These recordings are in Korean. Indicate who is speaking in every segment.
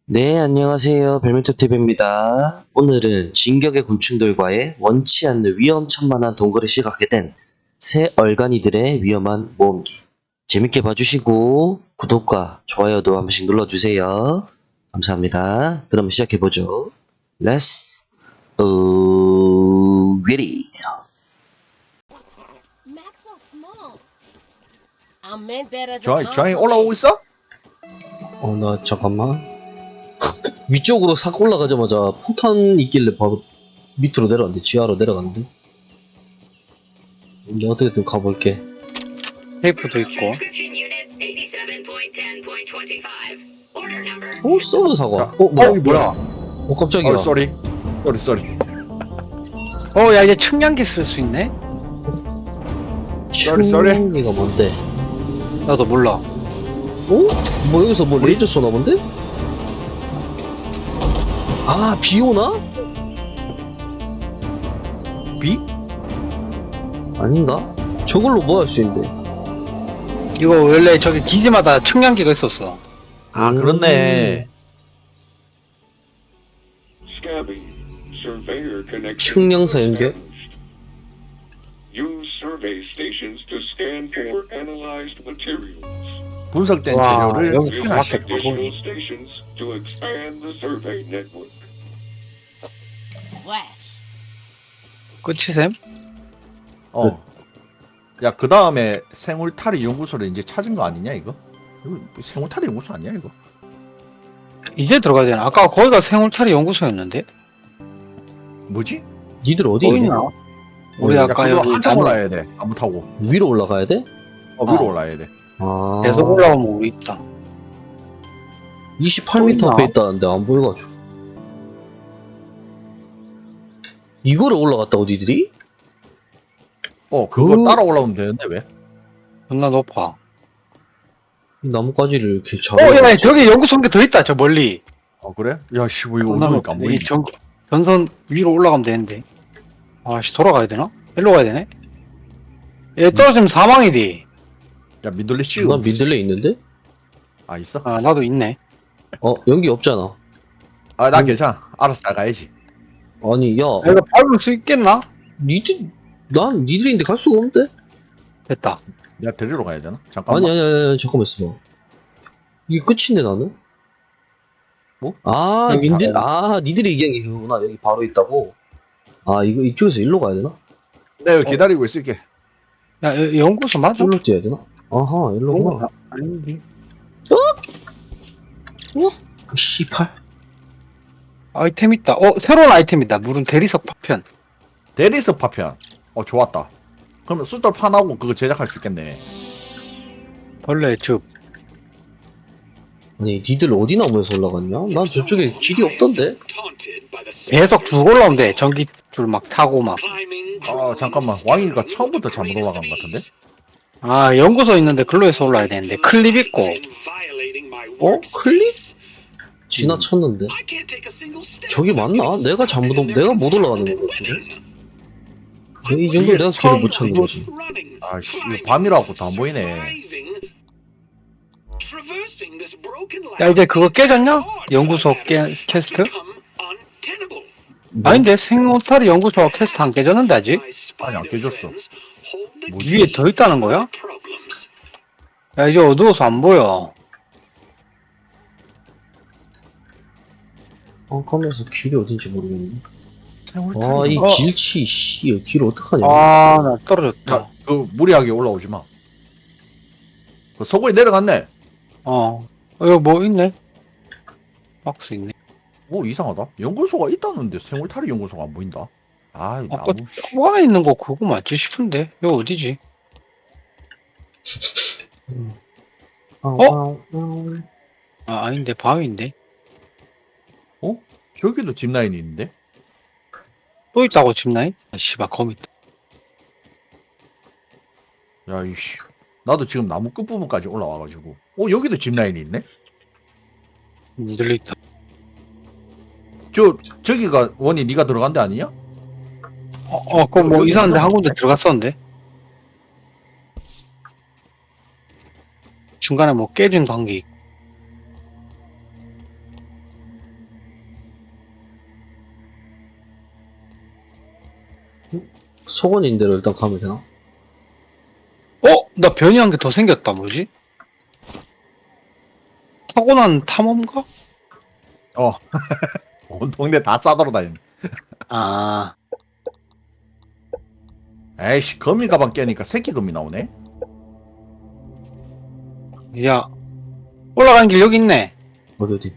Speaker 1: 네, 안녕하세요. 벨메토TV입니다. 오늘은 진격의 곤충들과의 원치 않는 위험천만한 동거를 시작하게 된 새 얼간이들의 위험한 모험기. 재밌게 봐주시고 구독과 좋아요도 한 번씩 눌러주세요. 감사합니다. 그럼 시작해보죠. Let's ready.
Speaker 2: Maxwell Smalls. I meant that as a
Speaker 3: 주황이
Speaker 2: compliment.
Speaker 3: 올라오고 있어?
Speaker 1: 나 잠깐만. 위쪽으로 싹 올라가자마자 폭탄 있길래 바로 밑으로 내려갔는데 지하로 내려갔는데. 이제 어떻게든 가볼게.
Speaker 4: 테이프도 있고.
Speaker 1: 쏘는 사과.
Speaker 3: 야,
Speaker 1: 뭐야?
Speaker 3: 이게 뭐야?
Speaker 1: 깜짝이야.
Speaker 3: 쏘리. 쏘리.
Speaker 4: 야, 이제 측량기 쓸 수 있네?
Speaker 3: 쏘리.
Speaker 1: 충격기가 뭔데?
Speaker 4: 나도 몰라.
Speaker 1: 뭐 여기서 뭐 레이저 쏘나 본데? 아, 비 오나?
Speaker 3: 비?
Speaker 1: 아닌가? 저걸로 뭐 할 수 있는데?
Speaker 4: 이거 원래 저기 기지마다 측량기가 있었어.
Speaker 3: 아, 그렇네.
Speaker 1: 측량사 연결?
Speaker 5: Use survey stations to scan for analyzed materials.
Speaker 3: 분석된
Speaker 4: 와,
Speaker 3: 재료를
Speaker 4: 여기
Speaker 5: Use
Speaker 4: 밖에
Speaker 5: additional stations to expand the survey network.
Speaker 2: Flash.
Speaker 4: 끝이셈?
Speaker 3: 야, 그 다음에 생울타리 연구소를 이제 찾은 거 아니냐, 이거? 이거 생울타리 연구소 아니야, 이거?
Speaker 4: 이제 들어가야 되나? 아까 거기가 생울타리 연구소였는데?
Speaker 3: 뭐지?
Speaker 1: 니들 어디 있냐?
Speaker 4: 보이나? 우리
Speaker 3: 야,
Speaker 4: 아까
Speaker 3: 그거
Speaker 4: 여기
Speaker 3: 한참
Speaker 4: 나무
Speaker 3: 올라야 돼. 나무 타고.
Speaker 1: 위로 올라가야 돼?
Speaker 3: 위로
Speaker 4: 어.
Speaker 3: 올라야 돼.
Speaker 1: 아.
Speaker 4: 계속 올라오면 우리 있다.
Speaker 1: 28m
Speaker 4: 보이나?
Speaker 1: 앞에 있다는데 안 보여가지고. 이거를 올라갔다고 니들이?
Speaker 3: 그거 따라 올라오면 되는데, 왜?
Speaker 4: 존나 높아.
Speaker 1: 이 나뭇가지를 이렇게
Speaker 4: 야, 저기 연구소 한 개 더 있다, 저 멀리.
Speaker 3: 그래? 야, 씨, 뭐 이거
Speaker 4: 존나
Speaker 3: 어두우니까
Speaker 4: 높아.
Speaker 3: 안
Speaker 4: 이
Speaker 3: 보이네.
Speaker 4: 전선 위로 올라가면 되는데. 아씨, 돌아가야 되나? 일로 가야 되네? 얘 떨어지면 사망이디.
Speaker 3: 야, 민들레 씌우.
Speaker 1: 난 민들레 있는데?
Speaker 3: 아, 있어?
Speaker 4: 아, 나도 있네.
Speaker 1: 연기 없잖아.
Speaker 3: 아, 나 괜찮아. 알아서 잘 가야지.
Speaker 1: 아니, 야,
Speaker 4: 야, 이거 밟을 수 있겠나?
Speaker 1: 난 니들인데 갈 수가 없는데?
Speaker 4: 됐다.
Speaker 3: 내가 데리러 가야 되나? 잠깐만.
Speaker 1: 아니, 잠깐만 있어봐. 이게 끝인데 나는?
Speaker 3: 뭐?
Speaker 1: 아,
Speaker 4: 여기
Speaker 1: 니들이 얘기한 게 그거구나. 여기 바로 있다고. 아, 이거 이쪽에서 일로 가야 되나?
Speaker 3: 내가 여기 기다리고 있을게.
Speaker 4: 야, 연구소 맞아?
Speaker 1: 일로 뛰어야 되나? 아하, 일로구나.
Speaker 4: 연구소 아닌데.
Speaker 1: 씨팔.
Speaker 4: 아이템 있다. 새로운 아이템이다. 물은 대리석 파편.
Speaker 3: 대리석 파편. 좋았다. 그러면 숫돌 판하고 그거 제작할 수 있겠네.
Speaker 4: 벌레 즙.
Speaker 1: 아니, 니들 어디 나무에서 올라갔냐? 난 저쪽에 길이 없던데?
Speaker 4: 계속 쭉 올라오면 돼. 전기줄 막 타고 막.
Speaker 3: 잠깐만. 왕이가 처음부터 잘못 올라간 것 같은데?
Speaker 4: 아, 연구소 있는데 글로에서 올라야 되는데. 클립 있고.
Speaker 1: 클릭? 지나쳤는데? 저기 맞나? 내가 내가 못 올라가는 거 같은데? 이 정도 내가 길을 못 찾는 거지.
Speaker 3: 아씨, 이거 밤이라고 다 안 보이네.
Speaker 4: 야, 이제 그거 깨졌냐? 연구소 캐스트? 아닌데, 생오타리 연구소 캐스트 안 깨졌는데, 아직?
Speaker 3: 아니, 안 깨졌어. 뭐지?
Speaker 4: 위에 더 있다는 거야? 야, 이제 어두워서 안 보여.
Speaker 1: 가면서 길이 어딘지 모르겠네.
Speaker 3: 생울타리.
Speaker 1: 이 길치, 씨, 길 어떡하냐.
Speaker 4: 아, 나 떨어졌다.
Speaker 3: 야, 그 무리하게 올라오지 마. 그 서구에 내려갔네.
Speaker 4: 여기 뭐 있네? 박스 있네.
Speaker 3: 이상하다. 연구소가 있다는데 생울타리 연구소가 안 보인다. 아,
Speaker 4: 아까
Speaker 3: 나무.
Speaker 4: 초반에 있는 거 그거 맞지 싶은데? 여기 어디지? 아닌데, 바위인데?
Speaker 3: 저기도 짚라인이 있는데?
Speaker 4: 또 있다고 집나인? 아, 씨발, 거미 있다.
Speaker 3: 야, 이씨. 나도 지금 나무 끝부분까지 올라와가지고. 여기도 짚라인이 있네?
Speaker 4: 니들 있다.
Speaker 3: 저기가 원이 네가 들어간 데 아니냐?
Speaker 4: 그거 뭐
Speaker 3: 여기
Speaker 4: 이상한데 한 군데
Speaker 3: 있는데?
Speaker 4: 들어갔었는데? 중간에 뭐 깨진 관계 있고.
Speaker 1: 소원인 대로 일단 가면 되나?
Speaker 4: 나 변이한 게 더 생겼다. 뭐지? 타고난 탐험가?
Speaker 3: 온 동네 다 싸돌아 다니네.
Speaker 4: 아,
Speaker 3: 에이씨, 거미 가방 깨니까 새끼 거미 나오네.
Speaker 4: 야, 올라가는 길 여기 있네.
Speaker 1: 어디?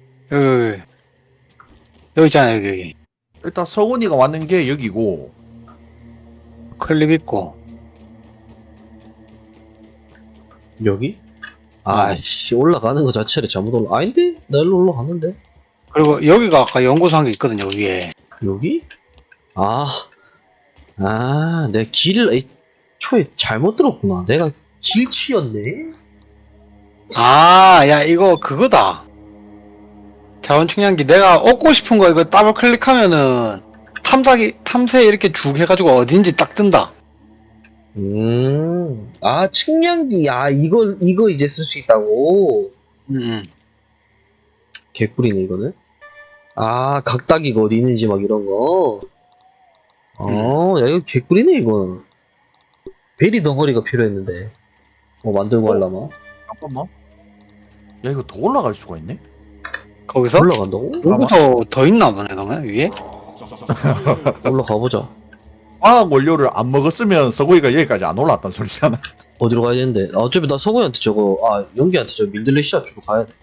Speaker 4: 여기 있잖아, 여기.
Speaker 3: 일단 서훈이가 왔는 게 여기고,
Speaker 4: 클립 있고.
Speaker 1: 여기? 아이씨, 올라가는 거 자체를 잘못 아닌데? 나 일로 올라갔는데?
Speaker 4: 그리고 여기가 아까 연구소 한 게 있거든요, 위에.
Speaker 1: 여기? 내 길을 애초에 잘못 들었구나. 내가 길치였네?
Speaker 4: 아, 야, 이거 그거다. 자원 측량기. 내가 얻고 싶은 거 이거 더블 클릭하면은 탐색 이렇게 쭉 해가지고 어딘지 딱 뜬다.
Speaker 1: 측량기. 이거 이제 쓸 수 있다고? 개꿀이네, 이거는. 각다기가 어디 있는지 막 이런 거. 야, 이거 개꿀이네, 이거. 베리 덩어리가 필요했는데. 만들고 하려면.
Speaker 3: 잠깐만. 야, 이거 더 올라갈 수가 있네?
Speaker 4: 거기서?
Speaker 1: 올라간다고?
Speaker 4: 여기서 더 있나 보네, 그러면 위에?
Speaker 1: 올라가보자.
Speaker 3: 화학 원료를 안 먹었으면 서구이가 여기까지 안 올라왔단 소리잖아.
Speaker 1: 어디로 가야 되는데? 어차피 나 성우한테 연기한테 민들레 씨앗 주고 가야 돼.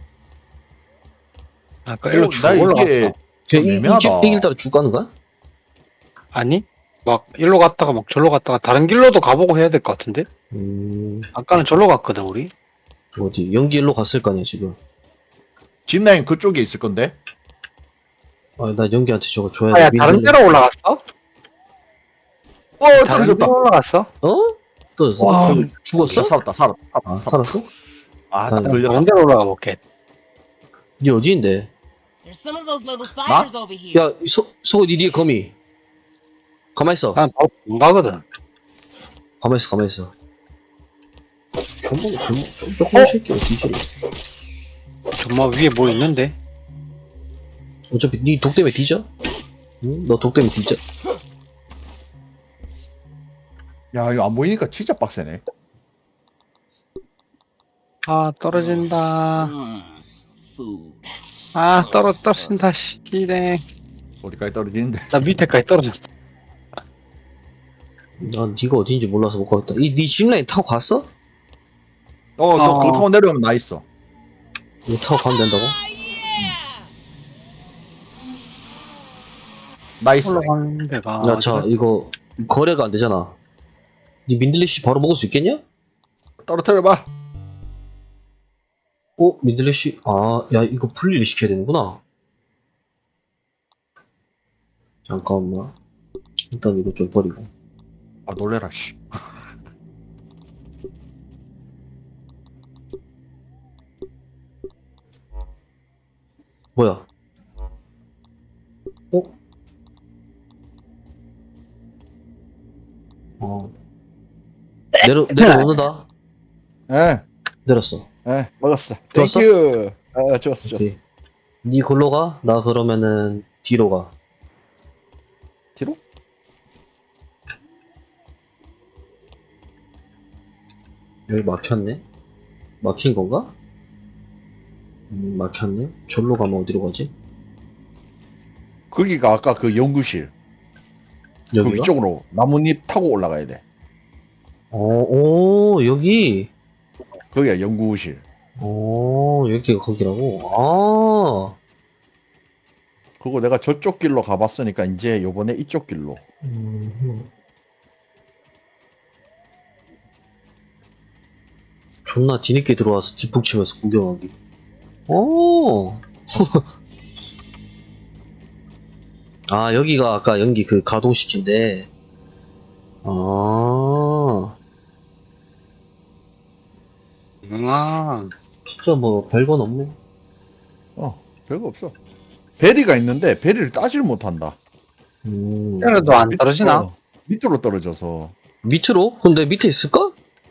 Speaker 4: 아까 일로 쭉
Speaker 3: 나
Speaker 4: 올라갔어.
Speaker 3: 이게
Speaker 1: 그냥
Speaker 3: 애매하다.
Speaker 1: 이 길 따라 쭉 가는 거야?
Speaker 4: 아니? 막 일로 갔다가 막 절로 갔다가 다른 길로도 가보고 해야 될 것 같은데? 아까는 절로 갔거든, 우리?
Speaker 1: 어디? 연기 일로 갔을 거 아니야, 지금.
Speaker 3: 짚라인 그쪽에 있을 건데?
Speaker 1: 나 연기한테 저거 줘야
Speaker 4: 야,
Speaker 1: 돼.
Speaker 4: 다른 데로 올라갔어? 다른
Speaker 3: 떨어졌다.
Speaker 4: 데로 올라갔어?
Speaker 1: 또
Speaker 3: 와,
Speaker 1: 죽었어?
Speaker 3: 살았다.
Speaker 1: 살았어?
Speaker 3: 딱
Speaker 4: 다른
Speaker 3: 걸렸다.
Speaker 4: 데로 올라가 볼게.
Speaker 1: 니 어디인데?
Speaker 2: There's some of those little spiders over here.
Speaker 1: 야, 성우 니 뒤에 거미. 가만있어.
Speaker 4: 난 바로 안 가거든.
Speaker 1: 가만있어. 조금 새끼야, 뒤지래.
Speaker 4: 정말 위에 뭐 있는데?
Speaker 1: 어차피 니 독 때문에 뒤져? 응? 너 독 때문에 뒤져?
Speaker 3: 야, 이거 안 보이니까 진짜 빡세네.
Speaker 4: 아, 떨어진다.
Speaker 2: Food.
Speaker 4: 아, 떨어진다, 시기네.
Speaker 3: 어디까지 떨어지는데?
Speaker 4: 나 밑에까지 떨어졌다.
Speaker 1: 난 니가 어딘지 몰라서 못 가겠다. 니 짚라인 타고 갔어?
Speaker 3: 너 그거 타고 내려오면 나 있어.
Speaker 1: 이거 타고 가면 된다고?
Speaker 3: 나 있어.
Speaker 4: 올라가는 데가.
Speaker 1: 야, 자, 이거 거래가 안 되잖아. 니 민들레 씨 바로 먹을 수 있겠냐?
Speaker 3: 떨어뜨려봐.
Speaker 1: 민들레 씨, 야, 이거 분리를 시켜야 되는구나. 잠깐만. 일단 이거 좀 버리고.
Speaker 3: 놀래라, 씨.
Speaker 1: 뭐야? 내려놓는다.
Speaker 3: 예,
Speaker 1: 내렸어.
Speaker 3: 먹었어.
Speaker 1: 좋았어?
Speaker 3: 땡큐. 좋았어.
Speaker 1: 오케이. 니 골로 가? 나 그러면은 뒤로 가.
Speaker 3: 뒤로?
Speaker 1: 여기 막혔네? 막힌 건가? 막혔네? 절로 가면 어디로 가지?
Speaker 3: 거기가 아까 그 연구실. 그
Speaker 1: 여기가?
Speaker 3: 위쪽으로 나뭇잎 타고 올라가야 돼.
Speaker 1: 여기?
Speaker 3: 거기가 연구실.
Speaker 1: 여기가 거기라고?
Speaker 3: 그거 내가 저쪽 길로 가봤으니까 이제 요번에 이쪽 길로.
Speaker 1: 존나 뒤늦게 들어와서 뒷북치면서 구경하기. 여기가 아까 연기 그 가동시킨데. 진짜 뭐 별건 없네.
Speaker 3: 별거 없어. 베리가 있는데 베리를 따질 못한다.
Speaker 4: 그래도 안 떨어지나?
Speaker 3: 밑으로 떨어져서.
Speaker 1: 밑으로? 근데 밑에 있을까?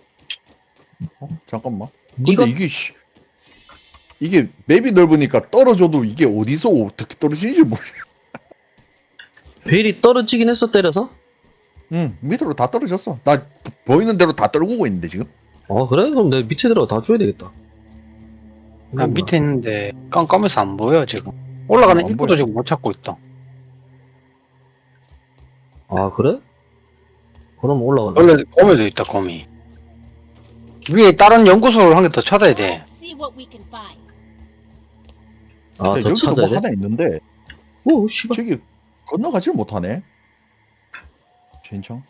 Speaker 3: 잠깐만.
Speaker 1: 네가-
Speaker 3: 근데 이게 맵이 넓으니까 떨어져도 이게 어디서 어떻게 떨어지는지 모르겠어.
Speaker 1: 벨이 떨어지긴 했어, 때려서?
Speaker 3: 응, 밑으로 다 떨어졌어. 나 보이는 대로 다 떨구고 있는데 지금.
Speaker 1: 아 그래? 그럼 내 밑에 들어가 다 줘야 되겠다.
Speaker 4: 나 밑에 있는데 깜깜해서 안 보여 지금. 올라가는
Speaker 3: 안
Speaker 4: 입구도
Speaker 3: 보여.
Speaker 4: 지금 못 찾고 있다.
Speaker 1: 아 그래? 그럼 올라가.
Speaker 4: 원래 거미도 있다 거미. 위에 다른 연구소를 한 개 더 찾아야 돼.
Speaker 2: Let's see what we can find.
Speaker 1: 아
Speaker 3: 근데
Speaker 1: 더
Speaker 3: 여기도
Speaker 1: 찾아야
Speaker 3: 뭐
Speaker 1: 돼?
Speaker 3: 하나 있는데
Speaker 1: 오 씨발.
Speaker 3: 저기 건너가질 못하네. 진청.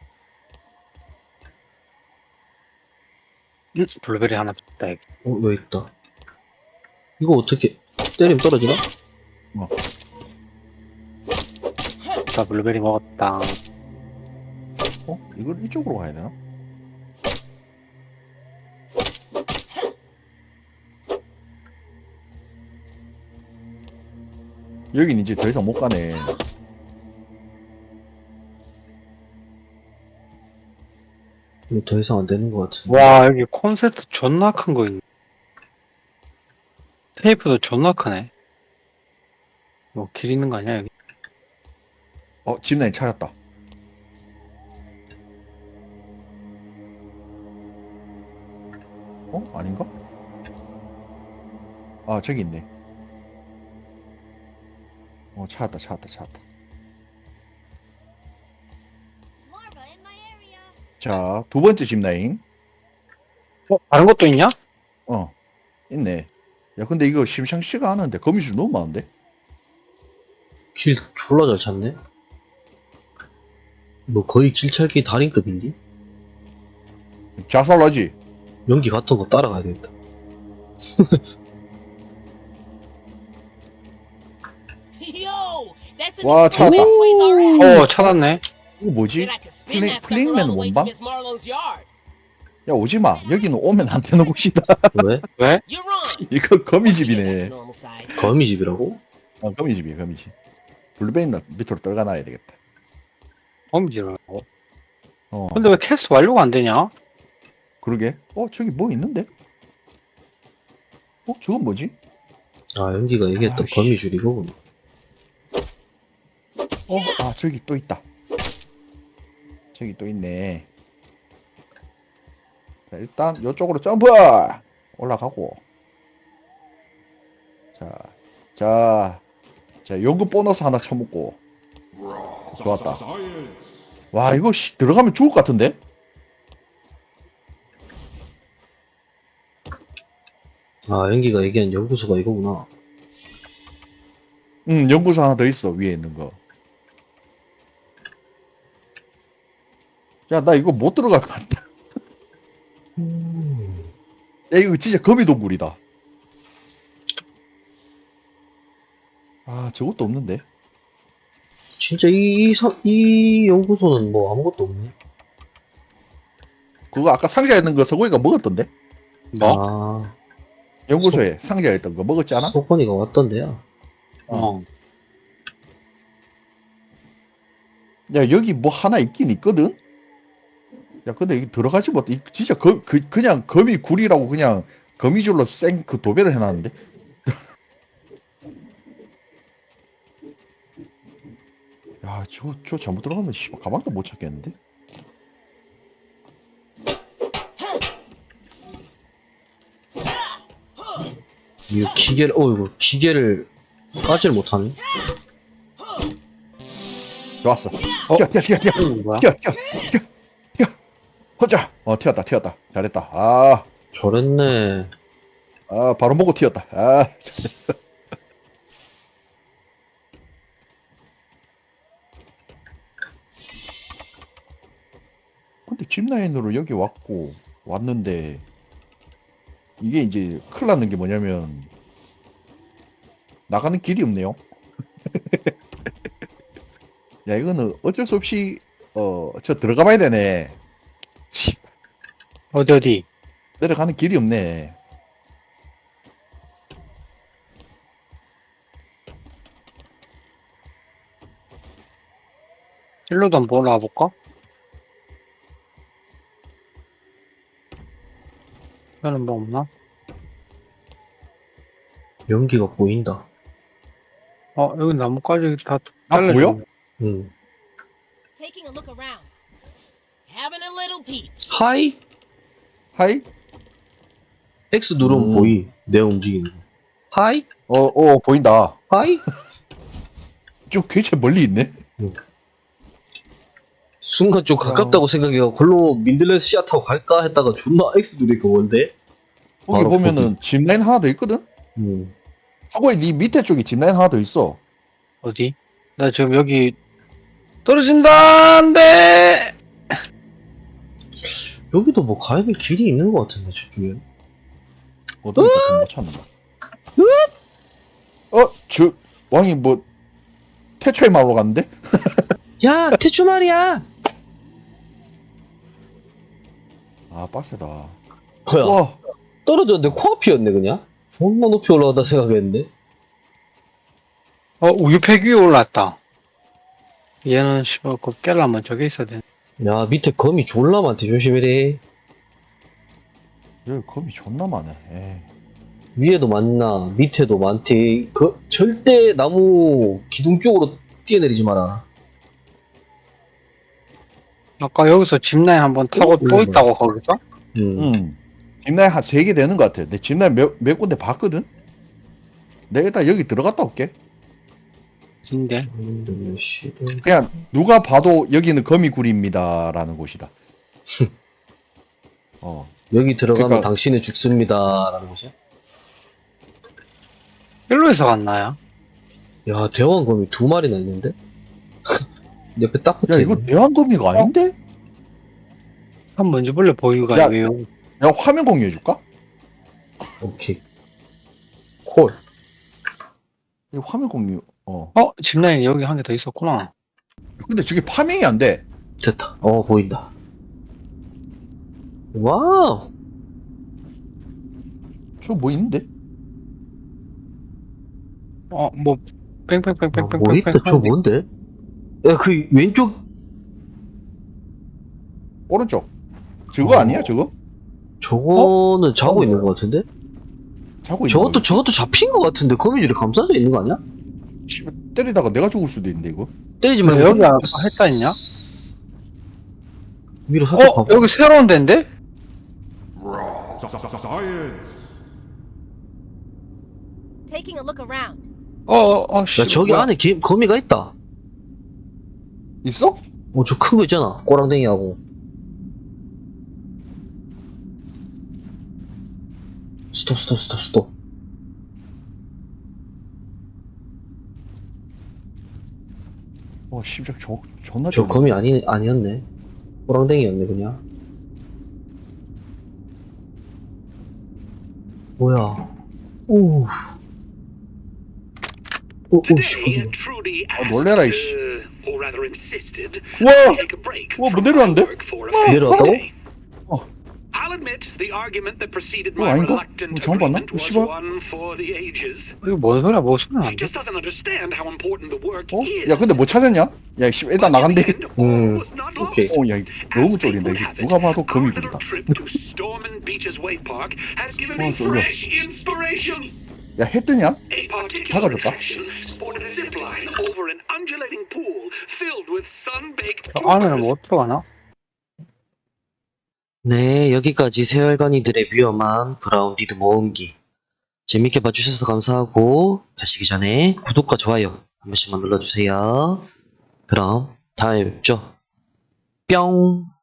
Speaker 4: 블루베리 하나 줬다 여기.
Speaker 1: 왜 있다? 이거 어떻게 때리면 떨어지나?
Speaker 4: 나 블루베리 먹었다.
Speaker 3: 이걸 이쪽으로 가야 되나? 여긴 이제 더 이상 못 가네.
Speaker 1: 이거 더 이상 안 되는 것 같은데.
Speaker 4: 와 여기 콘센트 존나 큰 거 있네. 테이프도 존나 크네. 뭐 길 있는 거 아니야 여기?
Speaker 3: 집라인 찾았다. 아닌가? 아, 저기 있네. 찾았다.
Speaker 2: Larva in my area.
Speaker 3: 자, 두 번째 집라인.
Speaker 4: 다른 것도 있냐?
Speaker 3: 있네. 야, 근데 이거 심상치가 않은데, 거미줄 너무 많은데?
Speaker 1: 길 졸라 잘 찾네. 뭐 거의 길찾기 달인급인데?
Speaker 3: 자살하지?
Speaker 1: 연기 같은 거 따라가야 되겠다.
Speaker 2: Yo, that's an
Speaker 3: 와, 찾았다.
Speaker 2: ways our ass.
Speaker 4: 찾았네.
Speaker 3: 이거 뭐지?
Speaker 2: And I can spin that sucker
Speaker 3: 플레잉맨은
Speaker 2: all the way to
Speaker 3: 뭔가?
Speaker 2: Miss Marlowe's yard.
Speaker 3: 야, 오지마. 여기는 오면 안 되는 곳이다.
Speaker 1: 왜?
Speaker 4: 왜?
Speaker 2: You're on.
Speaker 3: 이거
Speaker 2: That's
Speaker 3: 거미집이네.
Speaker 2: normal size.
Speaker 1: 거미집이라고?
Speaker 3: 거미집이야, 거미집. 블루베인 밑으로 떨가놔야 되겠다.
Speaker 4: 거미지라고.
Speaker 3: 어,
Speaker 4: 근데 왜 캐스트 완료가 안 되냐?
Speaker 3: 그러게. 저기 뭐 있는데? 저건 뭐지?
Speaker 1: 아 연기가 얘기했던
Speaker 3: 아이씨.
Speaker 1: 거미줄이고.
Speaker 3: 저기 또 있다. 저기 또 있네. 자, 일단 요쪽으로 점프! 올라가고. 자, 연금 보너스 하나 쳐먹고. 좋았다. 와, 이거 들어가면 죽을 것 같은데?
Speaker 1: 아 연기가 얘기한 연구소가 이거구나.
Speaker 3: 응, 연구소 하나 더 있어, 위에 있는 거. 야, 나 이거 못 들어갈 것 같다. 야, 이거 진짜 거미동굴이다. 아, 저것도 없는데.
Speaker 1: 진짜 이 연구소는 뭐 아무것도 없네.
Speaker 3: 그거 아까 상자에 있는 거 서고이가 먹었던데?
Speaker 4: 뭐?
Speaker 1: 아
Speaker 3: 연구소에 상자에 있던 거 먹었지 않아?
Speaker 1: 소건이가 왔던데야.
Speaker 3: 야, 여기 뭐 하나 있긴 있거든? 야, 근데 이게 들어가지 못해. 진짜 그냥 거미굴이라고 그냥 거미줄로 생 그 도배를 해놨는데? 야, 저 잘못 들어가면 씨발 가방도 못 찾겠는데?
Speaker 1: 이거 이거 기계를 까질 못하네.
Speaker 3: 좋았어.
Speaker 4: 어?
Speaker 3: 뛰어.
Speaker 4: 이거 뭐야?
Speaker 3: 뛰어. 혼자. 튀었다. 잘했다.
Speaker 1: 저랬네.
Speaker 3: 바로 먹고 튀었다. 근데 짚라인으로 여기 왔는데, 이게 이제 큰일 났는 게 뭐냐면, 나가는 길이 없네요. 야, 이거는 어쩔 수 없이, 저 들어가 봐야 되네. 치,
Speaker 4: 어디?
Speaker 3: 내려가는 길이 없네.
Speaker 4: 일로도 한번 올라가 볼까? 여기는 뭐 없나?
Speaker 1: 연기가 보인다.
Speaker 4: 여기 나뭇가지 다
Speaker 3: 아,
Speaker 4: 잘라줘.
Speaker 3: 보여?
Speaker 1: 응.
Speaker 2: Taking a look around. Having a little peep.
Speaker 1: 하이?
Speaker 3: 하이?
Speaker 1: X 누르면 보이. 내 움직이는 거. 하이?
Speaker 3: 보인다.
Speaker 1: 하이?
Speaker 3: 좀 굉장히 멀리 있네.
Speaker 1: 순간 좀 가깝다고 생각해가 걸로 민들레 씨앗 타고 갈까 했다가 존나 X 누르니까 뭔데?
Speaker 3: 거기
Speaker 1: 바로
Speaker 3: 보면은 짚라인 하나 더 있거든? 하고에 네 밑에 쪽에 짚라인 하나 더 있어.
Speaker 4: 어디? 나 지금 여기 떨어진다. 안돼.
Speaker 1: 여기도 뭐 가야 될 길이 있는 것 같은데 저쪽에.
Speaker 3: 어디니까 못 찾는다. 왕이 뭐 태초의 마을로 갔는데?
Speaker 1: 야 태초 말이야.
Speaker 3: 아 빡세다.
Speaker 1: 뭐야?
Speaker 3: 와
Speaker 1: 떨어졌는데 코앞이었네 그냥. 존나 높이 올라가다 생각했는데.
Speaker 4: 우유팩 위에 올랐다. 얘는 씨발 그 깨려면 저게 있어야 돼.
Speaker 1: 야 밑에 거미 졸라 많대 조심해래.
Speaker 3: 여기 검이 존나 많네. 에이.
Speaker 1: 위에도 많나 밑에도 많대. 절대 나무 기둥 쪽으로 뛰어내리지 마라.
Speaker 4: 아까 여기서 짚라인 한번 타고 또 있다고 거기서?
Speaker 3: 짚라인 한 3개 되는 것 같아. 내 짚라인 몇 군데 봤거든? 내가 일단 여기 들어갔다 올게.
Speaker 4: 진데.
Speaker 3: 그냥 누가 봐도 여기는 거미굴입니다 라는 곳이다.
Speaker 1: 여기 들어가면
Speaker 3: 그러니까-
Speaker 1: 당신은 죽습니다 라는 거지.
Speaker 4: 일로에서 갔나요?
Speaker 1: 야 대왕거미 2마리나 있는데? 옆에 딱
Speaker 3: 야
Speaker 1: 붙어있네.
Speaker 3: 이거 대왕거미가 아닌데?
Speaker 4: 한 먼저 볼래 보유가
Speaker 3: 야.
Speaker 4: 왜요?
Speaker 3: 야 화면 공유해줄까?
Speaker 1: 오케이 콜.
Speaker 3: 이 화면 공유.
Speaker 4: 짚라인 여기 한 개 더 있었구나.
Speaker 3: 근데 저게 파밍이 안 돼.
Speaker 1: 됐다. 보인다. 와우.
Speaker 3: 저 뭐 있는데?
Speaker 4: 뭐 뺑뺑뺑뺑뺑뺑.
Speaker 1: 뭐 있다. 저 뭔데? 야 그 왼쪽
Speaker 3: 오른쪽. 저거 아니야 저거?
Speaker 1: 저거는 자고 있는 것 같은데?
Speaker 3: 자고 있는
Speaker 1: 저것도 잡힌 것 같은데 거미줄에 감싸져 있는 거 아니야?
Speaker 3: 씨발, 때리다가 내가 죽을 수도 있는데 이거.
Speaker 1: 때리지
Speaker 4: 왜
Speaker 1: 말고
Speaker 4: 여기 했다 했냐?
Speaker 1: 위로 살짝 봐봐.
Speaker 4: 여기 새로운 데인데?
Speaker 2: Taking a look around.
Speaker 4: 씨.
Speaker 1: 야 저기
Speaker 4: 뭐야?
Speaker 1: 안에 거미가 있다.
Speaker 3: 있어?
Speaker 1: 저 큰 거 있잖아. 꼬랑댕이하고. 스톱.
Speaker 3: 와 씨발 존나
Speaker 1: 저
Speaker 3: 좋네.
Speaker 1: 거미 아니었네. 꼬랑댕이였네 그냥. 뭐야? 오.
Speaker 6: Today, Trudy asked,
Speaker 3: 놀래라, 이씨.
Speaker 6: or rather insisted,
Speaker 3: 와!
Speaker 6: to take a break
Speaker 3: 와,
Speaker 6: from
Speaker 3: 뭐 내려왔는데?
Speaker 6: work for a
Speaker 1: 내려왔다고?
Speaker 6: Friday. I'll admit the argument that preceded
Speaker 3: 어,
Speaker 6: my
Speaker 3: 아닌가?
Speaker 6: reluctant
Speaker 3: 잘못 봤나?
Speaker 6: agreement was
Speaker 3: 씨발.
Speaker 6: one for the ages.
Speaker 4: 이거 뭔 소리야? 뭐 소리
Speaker 6: She
Speaker 4: 나는데?
Speaker 6: just doesn't understand how important the work is.
Speaker 3: 야 근데 뭐 찾았냐? 야 씨, 일단 나간대.
Speaker 1: 오케이.
Speaker 3: 야 이거 너무 쫄린다. 이게 누가 봐도 거미굴이다.
Speaker 6: Storm Beaches Wave Park has given
Speaker 3: 어,
Speaker 6: me
Speaker 3: 쫄려.
Speaker 6: fresh inspiration.
Speaker 3: 야 해 뜨냐?
Speaker 6: A particular
Speaker 3: 다가졌다.
Speaker 6: attraction sported a zip line over an undulating pool filled with sun-baked
Speaker 4: 안에는
Speaker 6: tubers.
Speaker 4: 못 들어가나?
Speaker 1: 네, 여기까지 세월간이들의 위험한 그라운디드 모험기. 재밌게 봐주셔서 감사하고, 가시기 전에 구독과 좋아요 한 번씩만 눌러주세요. 그럼 다음에 뵙죠. 뿅!